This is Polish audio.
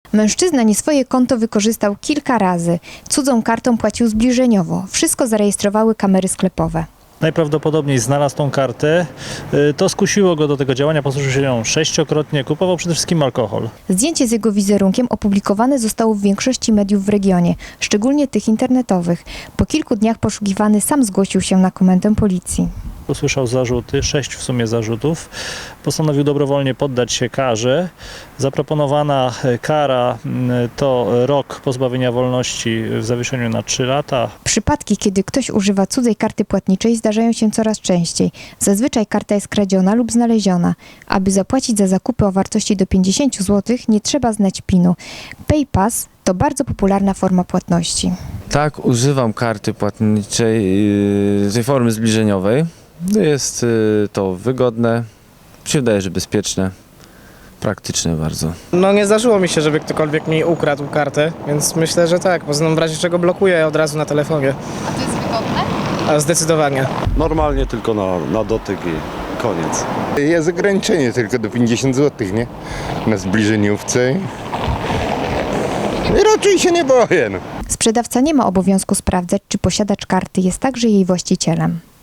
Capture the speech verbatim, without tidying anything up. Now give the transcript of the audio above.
Mężczyzna nie swoje konto wykorzystał kilka razy. Cudzą kartą płacił zbliżeniowo. Wszystko zarejestrowały kamery sklepowe. Najprawdopodobniej znalazł tą kartę, to skusiło go do tego działania, posłużył się nią sześciokrotnie, kupował przede wszystkim alkohol. Zdjęcie z jego wizerunkiem opublikowane zostało w większości mediów w regionie, szczególnie tych internetowych. Po kilku dniach poszukiwany sam zgłosił się na komendę policji. Usłyszał zarzuty, sześć w sumie zarzutów. Postanowił dobrowolnie poddać się karze. Zaproponowana kara to rok pozbawienia wolności w zawieszeniu na trzy lata. Przypadki, kiedy ktoś używa cudzej karty płatniczej, zdarzają się coraz częściej. Zazwyczaj karta jest kradziona lub znaleziona. Aby zapłacić za zakupy o wartości do pięćdziesięciu złotych, nie trzeba znać pinu. PayPass to bardzo popularna forma płatności. Tak, używam karty płatniczej, yy, tej formy zbliżeniowej. Jest yy, to wygodne, mi się wydaje, że bezpieczne, praktyczne bardzo. No nie zdarzyło mi się, żeby ktokolwiek mi ukradł kartę, więc myślę, że tak. Poza tym w razie czego blokuję od razu na telefonie. A to jest wygodne? A zdecydowanie. Normalnie tylko na, na dotyk i koniec. Jest ograniczenie tylko do pięćdziesięciu złotych, nie? Na zbliżeniówce. I raczej się nie boję. No. Sprzedawca nie ma obowiązku sprawdzać, czy posiadacz karty jest także jej właścicielem.